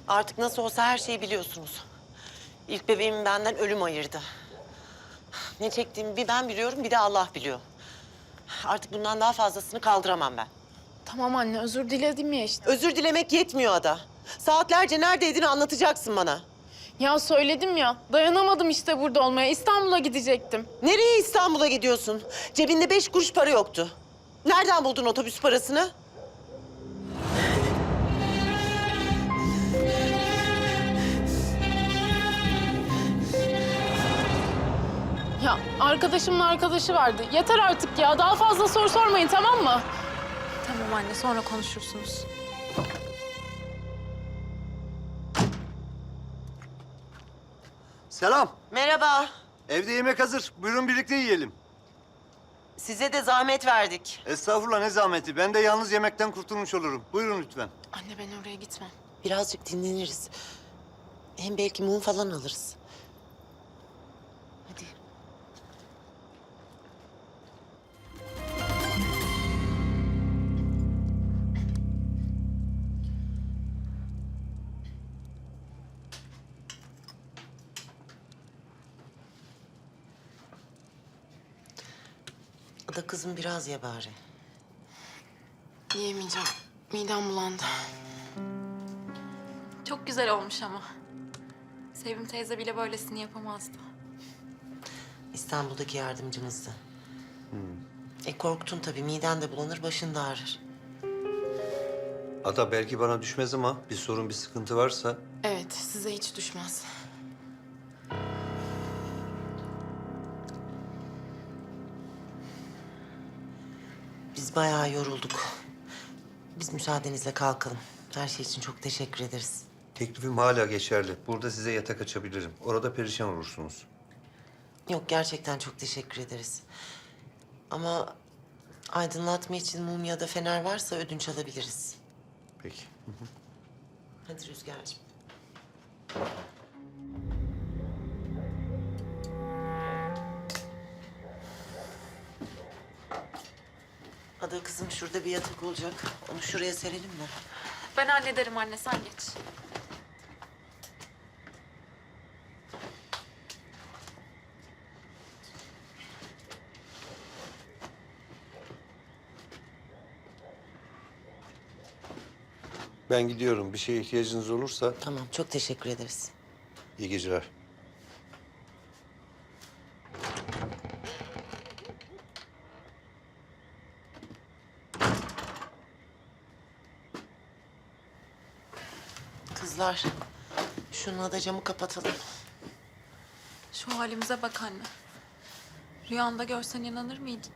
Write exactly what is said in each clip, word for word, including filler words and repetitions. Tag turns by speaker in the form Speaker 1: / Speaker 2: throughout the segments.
Speaker 1: Artık nasıl olsa her şeyi biliyorsunuz. İlk bebeğimi benden ölüm ayırdı. Ne çektiğimi bir ben biliyorum, bir de Allah biliyor. Artık bundan daha fazlasını kaldıramam ben.
Speaker 2: Tamam anne, özür diledim ya işte.
Speaker 1: Özür dilemek yetmiyor Ada. Saatlerce neredeydin anlatacaksın bana.
Speaker 2: Ya söyledim ya, dayanamadım işte burada olmaya. İstanbul'a gidecektim.
Speaker 1: Nereye İstanbul'a gidiyorsun? Cebinde beş kuruş para yoktu. Nereden buldun otobüs parasını?
Speaker 2: Ya arkadaşımın arkadaşı vardı. Yeter artık ya, daha fazla soru sormayın, tamam mı?
Speaker 3: Tamam anne, sonra konuşursunuz.
Speaker 4: Selam.
Speaker 1: Merhaba.
Speaker 4: Evde yemek hazır. Buyurun birlikte yiyelim.
Speaker 1: Size de zahmet verdik.
Speaker 4: Estağfurullah ne zahmeti. Ben de yalnız yemekten kurtulmuş olurum. Buyurun lütfen.
Speaker 2: Anne ben oraya gitmem.
Speaker 1: Birazcık dinleniriz. Hem belki mum falan alırız. Hadi. Ada kızım biraz ye bari.
Speaker 2: Yiyemeyeceğim. Midem bulandı.
Speaker 3: Çok güzel olmuş ama. Sevim teyze bile böylesini yapamazdı.
Speaker 1: İstanbul'daki yardımcımızdı. E korktun tabii. Miden de bulanır, başın da ağrır.
Speaker 4: Ada belki bana düşmez ama bir sorun bir sıkıntı varsa...
Speaker 2: Evet, size hiç düşmez.
Speaker 1: Biz bayağı yorulduk. Biz müsaadenizle kalkalım. Her şey için çok teşekkür ederiz.
Speaker 4: Teklifim hala geçerli. Burada size yatak açabilirim. Orada perişan olursunuz.
Speaker 1: Yok, gerçekten çok teşekkür ederiz. Ama aydınlatma için mum ya da fener varsa ödünç alabiliriz.
Speaker 4: Peki.
Speaker 1: Hadi Rüzgar'cığım. Ada kızım, şurada bir yatak olacak. Onu şuraya serelim mi?
Speaker 3: Ben hallederim anne, sen geç.
Speaker 4: Ben gidiyorum. Bir şeye ihtiyacınız olursa
Speaker 1: Tamam, çok teşekkür ederiz.
Speaker 4: iyi geceler.
Speaker 1: Kızlar, şununla da camı kapatalım.
Speaker 3: Şu halimize bak anne. Rüyanda görsen inanır mıydın?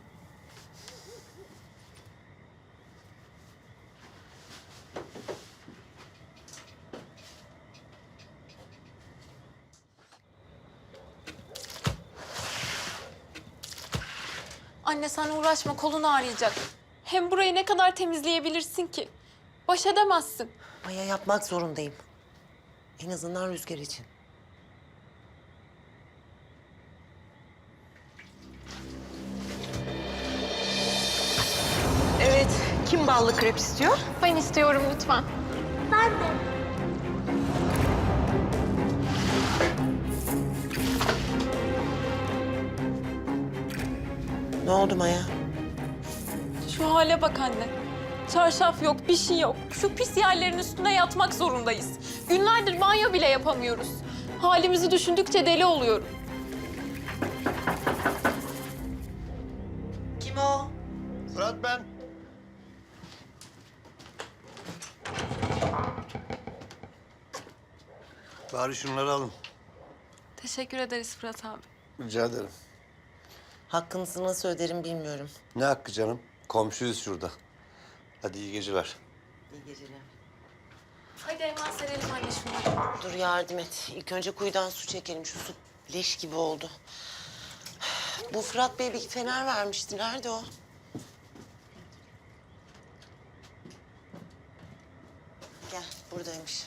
Speaker 3: Anne sen uğraşma, kolun ağrıyacak. Hem burayı ne kadar temizleyebilirsin ki? Baş edemezsin.
Speaker 1: Maya, yapmak zorundayım. En azından Rüzgar için. Evet, kim ballı krep istiyor?
Speaker 2: Ben istiyorum lütfen.
Speaker 1: Ne oldu Maya?
Speaker 3: Şu hale bak anne. Çarşaf yok, bir şey yok. Şu pis yerlerin üstüne yatmak zorundayız. Günlerdir banyo bile yapamıyoruz. Halimizi düşündükçe deli oluyorum.
Speaker 1: Kim o?
Speaker 4: Fırat ben. Bari şunları alın.
Speaker 3: Teşekkür ederiz Fırat abi.
Speaker 4: Rica ederim.
Speaker 1: Hakkınızı nasıl öderim bilmiyorum.
Speaker 4: Ne hakkı canım? Komşuyuz şurada. Hadi iyi geceler.
Speaker 1: İyi geceler.
Speaker 3: Hadi hemen serelim anne şunları.
Speaker 1: Dur yardım et. İlk önce kuyudan su çekelim. Şu su leş gibi oldu. Bu Fırat Bey bir fener vermişti. Nerede o? Gel, buradaymış.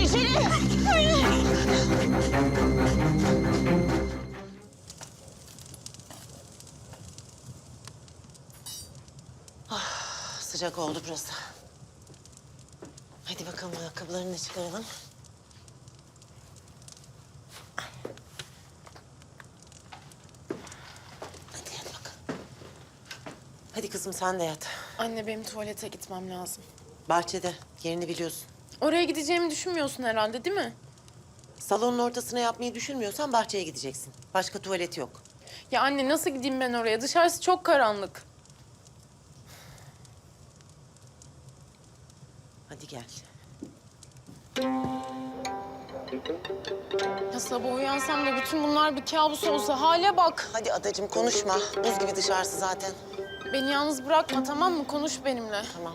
Speaker 1: içeri. Ah, sıcak oldu burası. Hadi bakalım ayakkabılarını da çıkaralım. Hadi hadi bakalım. Hadi kızım sen de yat.
Speaker 2: Anne benim tuvalete gitmem lazım.
Speaker 1: Bahçede yerini biliyorsun.
Speaker 2: Oraya gideceğimi düşünmüyorsun herhalde değil mi?
Speaker 1: Salonun ortasına yapmayı düşünmüyorsan bahçeye gideceksin. Başka tuvalet yok.
Speaker 2: Ya anne nasıl gideyim ben oraya? Dışarısı çok karanlık.
Speaker 1: Hadi gel.
Speaker 2: Ya sabah uyansam da bütün bunlar bir kabus olsa hale bak.
Speaker 1: Hadi adacığım konuşma. Buz gibi dışarısı zaten.
Speaker 2: Beni yalnız bırakma tamam mı? Konuş benimle.
Speaker 1: Tamam.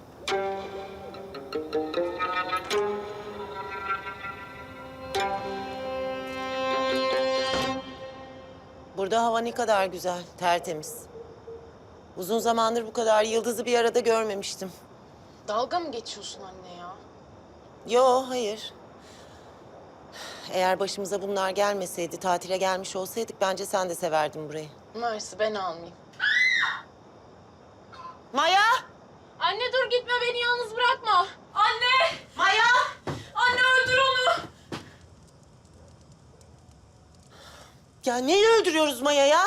Speaker 1: Burada hava ne kadar güzel, tertemiz. Uzun zamandır bu kadar yıldızı bir arada görmemiştim.
Speaker 2: Dalga mı geçiyorsun anne ya?
Speaker 1: Yo, hayır. Eğer başımıza bunlar gelmeseydi, tatile gelmiş olsaydık bence sen de severdin burayı.
Speaker 2: Mersi ben almayayım.
Speaker 1: Maya!
Speaker 2: Anne dur gitme beni yalnız bırakma. Anne!
Speaker 1: Maya!
Speaker 2: Anne öldür onu.
Speaker 1: Ya neyi öldürüyoruz Maya ya?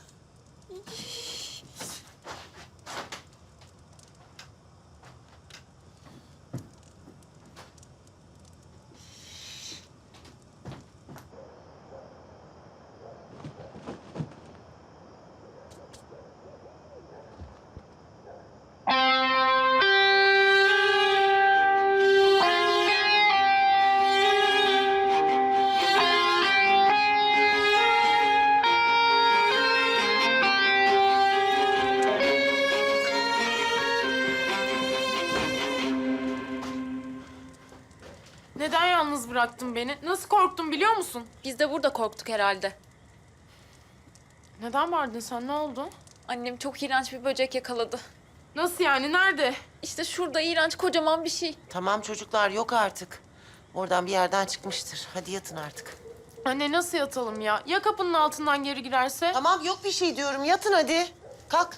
Speaker 2: Neden yalnız bıraktın beni? Nasıl korktum biliyor musun?
Speaker 3: Biz de burada korktuk herhalde.
Speaker 2: Neden vardın sen? Ne oldu?
Speaker 3: Annem çok iğrenç bir böcek yakaladı.
Speaker 2: Nasıl yani? Nerede?
Speaker 3: İşte şurada iğrenç kocaman bir şey.
Speaker 1: Tamam çocuklar yok artık. Oradan bir yerden çıkmıştır. Hadi yatın artık.
Speaker 2: Anne nasıl yatalım ya? Ya kapının altından geri girerse?
Speaker 1: Tamam yok bir şey diyorum. Yatın hadi. Kalk.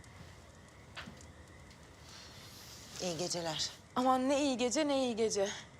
Speaker 1: İyi geceler.
Speaker 2: Aman ne iyi gece ne iyi gece.